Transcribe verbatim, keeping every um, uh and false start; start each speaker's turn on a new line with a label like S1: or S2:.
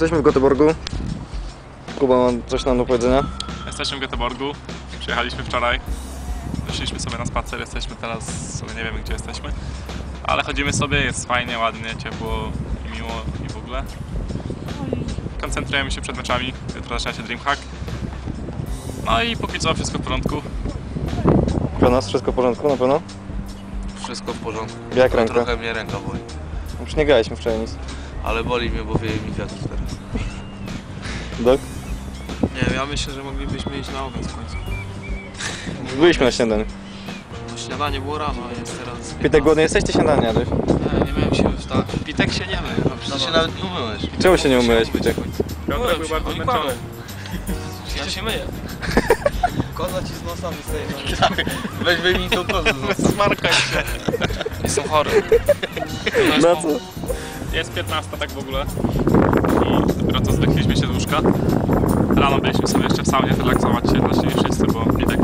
S1: Jesteśmy w Göteborgu. Kuba ma coś nam do powiedzenia.
S2: Jesteśmy w Göteborgu. Przyjechaliśmy wczoraj. Wyszliśmy sobie na spacer. Jesteśmy teraz, sobie nie wiemy gdzie jesteśmy. Ale chodzimy sobie, jest fajnie, ładnie, ciepło i miło i w ogóle. No i koncentrujemy się przed meczami. Jutro zaczyna się Dreamhack. No i póki co wszystko w porządku.
S1: Dla nas wszystko w porządku na pewno?
S3: Wszystko w porządku.
S1: Jak ręka?
S3: Trochę mnie ręka boli.
S1: Już nie graliśmy wczoraj nic.
S3: Ale boli mnie, bo wieje mi wiatr teraz.
S1: Dok?
S4: Nie wiem, ja myślę, że moglibyśmy iść na obiad w końcu.
S1: Byliśmy na śniadaniu.
S4: Bo śniadanie było rano, a jest teraz...
S1: Pitek, głodny jesteś? Ty śniadanie jadłeś?
S4: Nie, nie miałem siły wstać. Pitek się nie mył. No,
S3: Przecież się nawet nie umyłeś.
S1: Czemu się nie umyłeś, Pitek?
S2: Piotrek był bardzo zmęczony.
S4: Ja się myję.
S3: Koza ci z nosa wystaje. Weź wyjmij tą kozę z nosa.
S2: Smarkaj się.
S4: Jestem chory.
S1: Na co?
S2: Jest piętnasta tak w ogóle. I dopiero co zdechliśmy się z łóżka. Rano byliśmy sobie jeszcze w saunie relaksować się, właściwie wszyscy, bo Pitek